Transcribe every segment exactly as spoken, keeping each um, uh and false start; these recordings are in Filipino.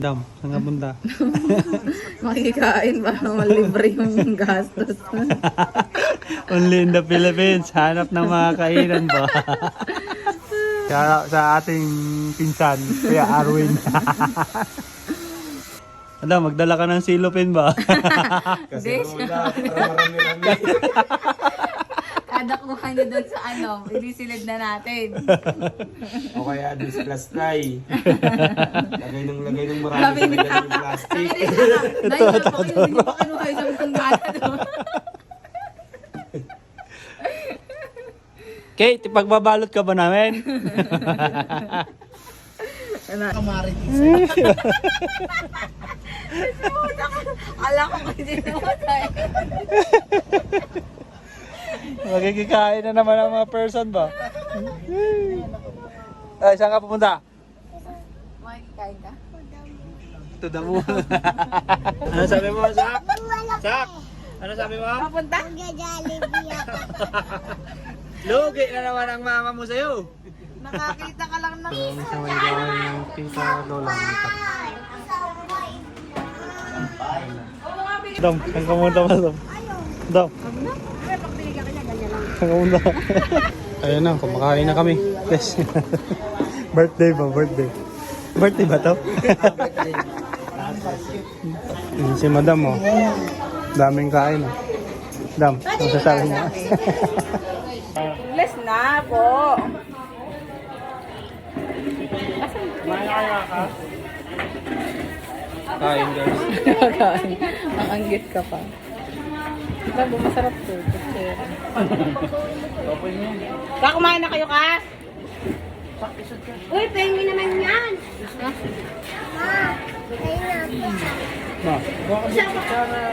Dam, saan nga punta? Makikain para malibre yung gastos. Only in the Philippines. Hanap ng mga kainan ba? Kaya sa ating pinsan, Kuya Arwin. Ano, magdala ka ng silopin ba? Kasi Wala, para marami-rami. kada kuha niyo doon sa ano, ilisilid na natin. O kaya dis plastic. Lagay ng lagay ng marami Sabi sa niya, lagay ng plastic. dahil na po kayo, hindi pa kinuha isang tunggala doon. Kate, ipagbabalot ka ba namin? Ala ko kasi namatay. Magkikikain na naman ang mga person ba? Ay, saan ka pupunta? Makikain ka? To the moon. Ano sabi mo, Sak? Sak? Ano sabi mo? Papunta? Lugi na naman ang mama mo sa'yo. Nakakita ka lang ng Sa may gawin ng tita Lola. Dam, saan ka pumunta ba, Dam? Dam. Saan ka pumunta? Ayun na, kumakain na kami. Yes. Birthday ba? Birthday. Birthday ba to? Yun si Madam, oh. Daming kain, oh. Dam, ano sasabi niya? Bless na po. Kain, guys. Kain. Ang anggit ka pa. Bago masarap to. Baka kumain na kayo ka? Uy, pengi naman yan. Ma, baka sa kutsara.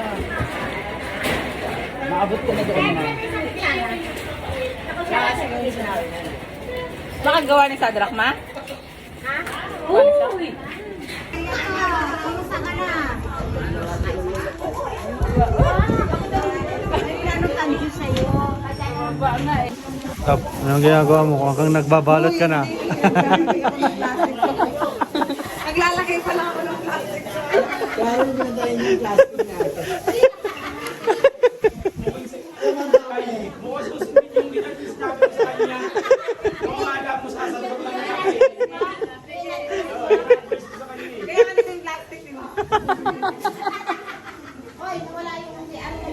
Maabot ka na doon, ma. Baka gawa ni Sadrak, ma? Ha? Uy! Kumusta ka na? Anong kanji sa'yo? Ba nga eh. Tap, anong ginagawa mo? Kung hanggang nagbabalot ka na. Naglalagay pa lang ako ng plastic. Parang pinadayin yung plastic natin.